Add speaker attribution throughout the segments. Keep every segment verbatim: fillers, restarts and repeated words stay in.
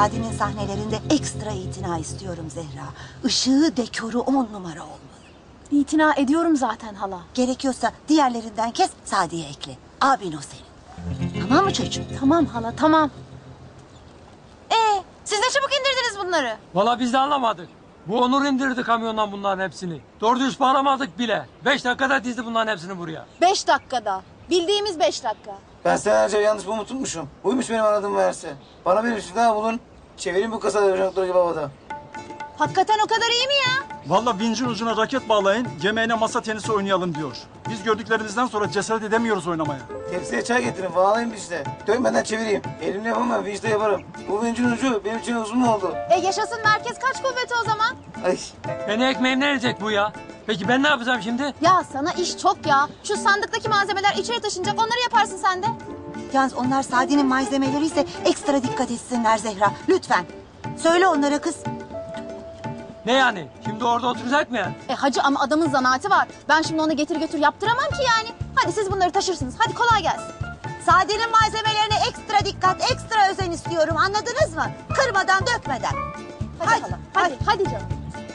Speaker 1: Sadi'nin sahnelerinde ekstra itina istiyorum Zehra. Işığı, dekoru on numara olmalı.
Speaker 2: İtina ediyorum zaten hala.
Speaker 1: Gerekiyorsa diğerlerinden kes, Sadi'ye ekle. Abin o senin. Tamam mı çocuğum?
Speaker 2: Tamam hala, tamam. Ee, siz ne çabuk indirdiniz bunları?
Speaker 3: Vallahi biz de anlamadık. Bu Onur indirdi kamyondan bunların hepsini. Doğru düz bağlamadık bile. Beş dakikada dizdi bunların hepsini buraya.
Speaker 2: Beş dakikada. Bildiğimiz beş dakika.
Speaker 4: Ben senelerce yanlış mı tutmuşum. Buymuş benim aradığım meğerse. Bana bir şey daha bulun. Çevireyim bu kasada doktor gibi havada.
Speaker 2: Hakikaten o kadar iyi mi ya?
Speaker 5: Vallahi vincin ucuna raket bağlayın, yemeğine masa tenisi oynayalım diyor. Biz gördüklerimizden sonra cesaret edemiyoruz oynamaya.
Speaker 4: Tepsiye çay getirin, bağlayın işte. Dönmeden çevireyim. Elimle yapamam, vinçle yaparım. Bu vincin ucu benim için uzun mu oldu?
Speaker 2: E yaşasın merkez kaç kuvveti o zaman?
Speaker 4: Ay.
Speaker 3: Beni ekmeğimden edecek bu ya. Peki ben ne yapacağım şimdi?
Speaker 2: Ya sana iş çok ya. Şu sandıktaki malzemeler içeri taşınacak, onları yaparsın sen de.
Speaker 1: Yalnız onlar Sadi'nin malzemeleri ise ekstra dikkat etsinler Zehra. Lütfen. Söyle onlara kız.
Speaker 3: Ne yani? Şimdi orada oturacak mı yani?
Speaker 2: E hacı ama adamın zanaati var. Ben şimdi onu getir götür yaptıramam ki yani. Hadi siz bunları taşırsınız. Hadi kolay gelsin.
Speaker 1: Sade'nin malzemelerine ekstra dikkat, ekstra özen istiyorum. Anladınız mı? Kırmadan, dökmeden.
Speaker 2: Hadi
Speaker 1: Hadi,
Speaker 2: hala. Hadi, hadi canım.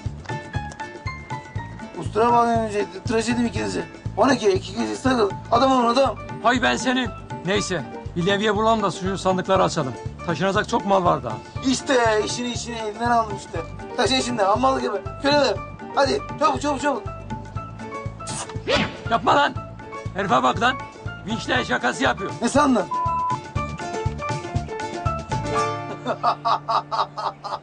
Speaker 4: Ustura bağlayın önce. Tıraş edeyim ikinizi. O ne ki? İki kişi sarıl. Adam olun adam.
Speaker 3: Hay ben senin. Neyse. Bir levye bulalım da şu sandıkları açalım. Taşınacak çok mal var daha.
Speaker 4: İşte işini işini elinden aldım işte. Taşı içinde, hammalı gibi. Köleler. Hadi çabuk çabuk çabuk.
Speaker 3: Yapma lan. Herife bak lan. Vinçle şakası yapıyor.
Speaker 4: Ne sandın?